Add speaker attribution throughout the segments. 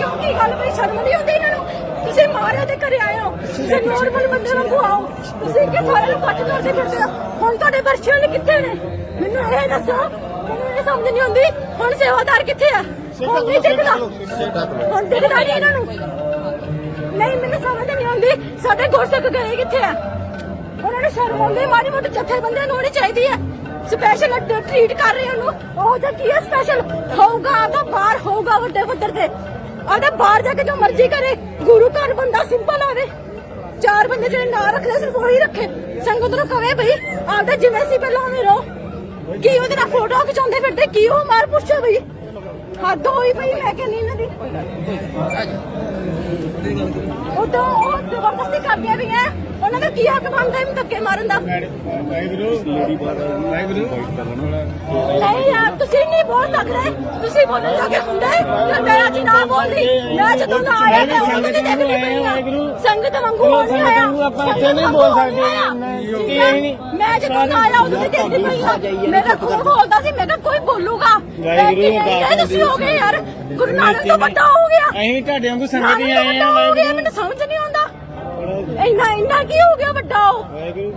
Speaker 1: ਕੀ ਗੱਲ ਬਈ ਸ਼ਰਮ ਨਹੀਂ ਆਉਂਦੀ ਇਹਨਾਂ ਨੂੰ? ਤੁਸੀਂ ਮਾਰਿਆ ਤੇ ਘਰੇ ਆਏ ਹੋ, ਤੁਸੀਂ ਨੋਰਮਲ ਬੰਦੇ ਵਾਂਗੂ ਆਓ। ਤੁਸੀਂ ਕਿ ਸਾਰੇ ਨੂੰ ਕੱਟ ਕਰਦੇ ਫਿਰਦੇ ਹੋ। ਹੁਣ ਤੁਹਾਡੇ ਬਰਸ਼ੀਆਂ ਕਿੱਥੇ ਨੇ? ਮੈਨੂੰ ਇਹ ਦੱਸੋ, ਮੈਨੂੰ ਇਹ ਸਮਝ ਨਹੀਂ ਆਉਂਦੀ। ਹੁਣ ਸੇਵਾਦਾਰ ਕਿੱਥੇ ਆ? ਹੁਣ ਨਹੀਂ ਦਿਖਦਾ, ਹੁਣ ਦਿਖਦਾ ਨਹੀਂ ਇਹਨਾਂ ਨੂੰ। ਨਹੀਂ ਮੈਨੂੰ ਸਮਝ ਨਹੀਂ ਆਉਂਦੀ ਸਾਡੇ ਗੁਰਸਿੱਖ ਗਏ ਕਿੱਥੇ ਆ? ਉਹਨਾਂ ਨੂੰ ਸ਼ਰਮ ਆਉਂਦੀ, ਮਾੜੀ ਮੋਟੀ ਜਥੇਬੰਦੀਆਂ ਨੂੰ ਹੋਣੀ ਚਾਹੀਦੀ ਹੈ। ਸਪੈਸ਼ਲ ਟ੍ਰੀਟ ਕਰ ਰਹੇ ਉਹਨੂੰ, ਉਹ ਜਾਂ ਕੀ ਹੈ ਸਪੈਸ਼ਲ ਹੋਊਗਾ ਆਪਦਾ ਬਾਹਰ ਹੋਊਗਾ ਵੱਡੇ ਪੱਧਰ ਤੇ, ਆਪਦਾ ਬਾਹਰ ਜਾ ਕੇ ਜੋ ਮਰਜ਼ੀ ਕਰੇ। ਗੁਰੂ ਘਰ ਬੰਦਾ ਸਿੰਪਲ ਆਵੇ, ਚਾਰ ਬੰਦੇ ਜਿਹੜੇ ਨਾਂ ਰੱਖਦੇ ਸਿਰਫ ਉਹੀ ਰੱਖੇ। ਸੰਗਤ ਨੂੰ ਕਵੇ ਬਈ ਆਪਦਾ ਜਿਵੇਂ ਸੀ ਪਹਿਲਾਂ ਉਵੇਂ ਰਹੋ। ਕੀ ਉਹਦੇ ਨਾਲ ਫੋਟੋ ਖਿਚਾਉਂਦੇ ਫਿਰਦੇ, ਕੀ ਉਹ ਮਾਰ ਪੁੱਛੋ ਬਈ, ਹੱਦ ਹੋਈ ਪਈ। ਮੈਂ ਕਹਿੰਦੀ ਇਹਨਾਂ ਦੀ ਉਦੋਂ ਉਹ ਜ਼ਬਰਦਸਤੀ ਕਰਦੀਆਂ ਵੀ ਹੈ, ਉਹਨਾਂ ਦਾ ਕੀ ਹੱਕ ਬਣਦਾ ਇਹਨੂੰ ਧੱਕੇ ਮਾਰਨ ਦਾ? ਨਹੀਂ ਯਾਰ ਤੁਸੀਂ ਨਹੀਂ ਬੋਲ ਸਕਦੇ, ਤੁਸੀਂ ਬੋਲਣ ਲੱਗੇ ਹੁੰਦੇ। ਮੈਂ ਅੱਜ ਨਾ ਬੋਲਦੀ, ਮੈਂ ਜਦੋਂ ਨਾ ਆਇਆ ਮੈਂ ਉਹਨਾਂ ਦੇ ਦੇਖ ਲਈ ਪਈ ਆ। ਸੰਗਤ ਵਾਂਗੂ ਹੋ ਨਹੀਂ ਆਇਆ,
Speaker 2: ਆਪਾਂ ਇੱਥੇ ਨਹੀਂ ਬੋਲ ਸਕਦੇ।
Speaker 1: ਮੈਂ ਜਦੋਂ ਨਾ ਆਇਆ ਉਦੋਂ ਦੀ ਦੇਖਦੀ ਪਈ ਆ। ਮੇਰਾ ਖੂਨ ਬੋਲਦਾ ਸੀ, ਮੈਂ ਕਿਹਾ ਕੋਈ ਬੋਲੂਗਾ। ਤੁਸੀਂ ਹੋ ਗਏ ਯਾਰ, ਗੁਰੂ ਨਾਨਕ ਤੋਂ ਵੱਡਾ ਹੋ ਗਿਆ।
Speaker 2: ਅਸੀਂ ਤੁਹਾਡੇ ਵਾਂਗੂ ਸੰਗਤ ਹੀ ਆਏ ਆ।
Speaker 1: ਮੈਨੂੰ ਸਮਝ ਨਹੀਂ ਆਉਂਦਾ ਇੰਨਾ ਕੀ ਹੋ ਗਿਆ ਵੱਡਾ? ਉਹ
Speaker 2: ਵਾਹਿਗੁਰੂ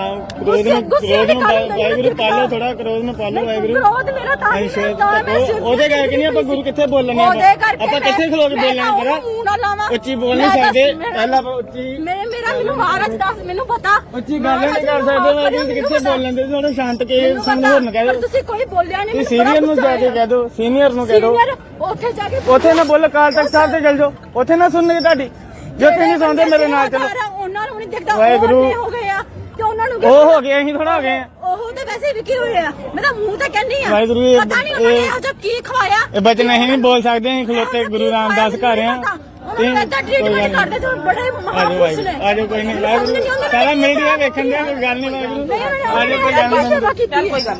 Speaker 2: ਪਾਲੋ, ਥੋੜਾ ਕਰੋਧ ਨੂੰ ਪਾਲੋ। ਵਾਹਿਗੁਰੂ
Speaker 1: ਕਰੋਧ ਮੇਰਾ ਤਾਂ
Speaker 2: ਉਹਦੇ ਕਰਕੇ ਨਹੀਂ ਆਪਾਂ ਗੁਰੂ ਕਿੱਥੇ ਬੋਲਣੇ, ਆਪਾਂ ਕਿੱਥੇ ਖਲੋ ਕੇ ਬੋਲਣਾ ਕਰਾ। ਉੱਚੀ ਬੋਲ ਨਹੀਂ ਸਕਦੇ, ਪਹਿਲਾਂ ਉੱਚੀ
Speaker 1: ਮੈਨੂੰ ਮਹਾਰਾਜ ਦੱਸ, ਮੈਨੂੰ ਪਤਾ
Speaker 2: ਉੱਚੀ ਗੱਲ ਨਹੀਂ ਕਰ ਸਕਦੇ। ਵਾਹਿਗੁਰੂ ਕਿੱਥੇ ਬੋਲਣ ਦੇ, ਥੋੜਾ ਸ਼ਾਂਤ ਕੇ ਸਮਝੋ ਨਾ ਕਹਿ ਦੋ।
Speaker 1: ਤੁਸੀਂ ਕੋਈ ਬੋਲਿਆ ਨਹੀਂ।
Speaker 2: ਸੀਨੀਅਰ ਨੂੰ ਜਾ ਕੇ ਕਹਿ ਦੋ, ਸੀਨੀਅਰ ਨੂੰ ਕਹਿ ਦੋ।
Speaker 1: ਉੱਥੇ ਜਾ ਕੇ
Speaker 2: ਉੱਥੇ ਨਾ ਬੋਲੋ, ਅਕਾਲ ਤਖਤ ਸਾਹਿਬ ਤੇ ਚਲ ਜਾਓ, ਉੱਥੇ ਨਾ ਸੁਣਨਗੇ ਤੁਹਾਡੀ। ਜੇ ਉੱਥੇ ਨਹੀਂ ਸੁਣਦੇ ਮੇਰੇ ਨਾਲ ਚਲੋ।
Speaker 1: ਉਹਨਾਂ ਨੂੰ ਨਹੀਂ ਦਿਖਦਾ
Speaker 2: ਵਾਹਿਗੁਰੂ
Speaker 1: ਹੋ ਗਏ ਆ ਤੇ ਉਹਨਾਂ ਨੂੰ
Speaker 2: ਉਹ ਹੋ ਗਏ, ਅਸੀਂ ਥੋੜਾ ਹੋ ਗਏ ਆ।
Speaker 1: ਉਹ ਤਾਂ ਵੈਸੇ ਵੀ ਕੀ ਹੋਇਆ, ਮੈਂ ਤਾਂ ਮੂੰਹ ਤੇ ਕਹਿੰਦੀ ਆ।
Speaker 2: ਵਾਹਿਗੁਰੂ
Speaker 1: ਪਤਾ ਨਹੀਂ ਉਹਨਾਂ ਨੇ ਇਹੋ ਜਿਹਾ ਕੀ ਖਵਾਇਆ।
Speaker 2: ਇਹ ਬਚਨ ਅਸੀਂ ਨਹੀਂ ਬੋਲ ਸਕਦੇ, ਅਸੀਂ ਖਲੋਤੇ ਗੁਰੂ ਰਾਮਦਾਸ ਘਰ ਆ।
Speaker 1: ਉਹਨਾਂ ਦਾ ਟ੍ਰੀਟਮੈਂਟ ਕਰਦੇ ਜੋ ਬੜੇ ਮਹਾਪੁਰਸ਼ ਨੇ।
Speaker 2: ਆਜੋ ਕੋਈ ਨਹੀਂ, ਵਾਹਿਗੁਰੂ ਸਾਰਾ ਮੀਡੀਆ ਵੇਖਣ ਦੇ, ਕੋਈ ਗੱਲ ਨਹੀਂ। ਵਾਹਿਗੁਰੂ ਆਜੋ ਕੋਈ ਗੱਲ ਨਹੀਂ,
Speaker 1: ਕੋਈ ਗੱਲ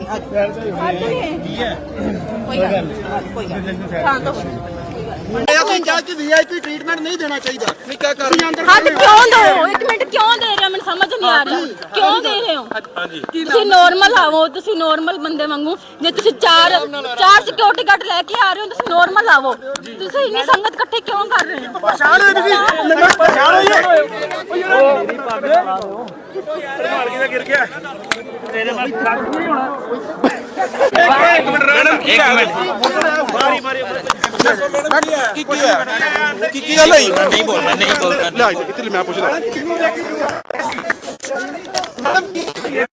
Speaker 1: ਨਹੀਂ।
Speaker 3: ਜੱਜ ਵੀਆਈਪੀ ਟ੍ਰੀਟਮੈਂਟ ਨਹੀਂ ਦੇਣਾ ਚਾਹੀਦਾ। ਨਹੀਂ ਕਿਆ ਕਰ
Speaker 1: ਹੱਦ ਕਿਉਂ ਦੋ? ਇੱਕ ਮਿੰਟ ਕਿਉਂ ਦੇ ਰਹੇ ਹੋ? ਮੈਨੂੰ ਸਮਝ ਨਹੀਂ ਆ ਰਹੀ ਕਿਉਂ ਦੇ ਰਹੇ ਹੋ? ਤੁਸੀਂ ਨੋਰਮਲ ਆਵੋ, ਤੁਸੀਂ ਨੋਰਮਲ ਬੰਦੇ ਵਾਂਗੂ। ਜੇ ਤੁਸੀਂ ਚਾਰ ਸਿਕਿਉਰਿਟੀ ਗਾਰਡ ਲੈ ਕੇ ਆ ਰਹੇ ਹੋ, ਤੁਸੀਂ ਨੋਰਮਲ ਆਵੋ। ਤੁਸੀਂ ਇੰਨੀ ਸੰਗਤ ਇਕੱਠੇ ਕਿਉਂ ਕਰ ਰਹੇ ਹੋ?
Speaker 3: ਪਛਾਣ ਹੋਈ ਤੁਸੀਂ, ਪਛਾਣ ਹੋਈ
Speaker 2: ਮੇਰੀ ਪੱਗ ਮਾਰ ਕੇ ਗਿਰ ਗਿਆ ਤੇਰੇ ਬਾਅਦ ਕੱਖ ਨਹੀਂ ਹੋਣਾ। ਇੱਕ ਮਿੰਟ
Speaker 3: ਕੀ ਗੱਲ ਹੋਈ?
Speaker 4: ਨਹੀਂ ਬੋਲਣਾ
Speaker 3: ਲੈ ਕਿੱਥੇ ਮੈਂ ਪੁੱਛਦਾ।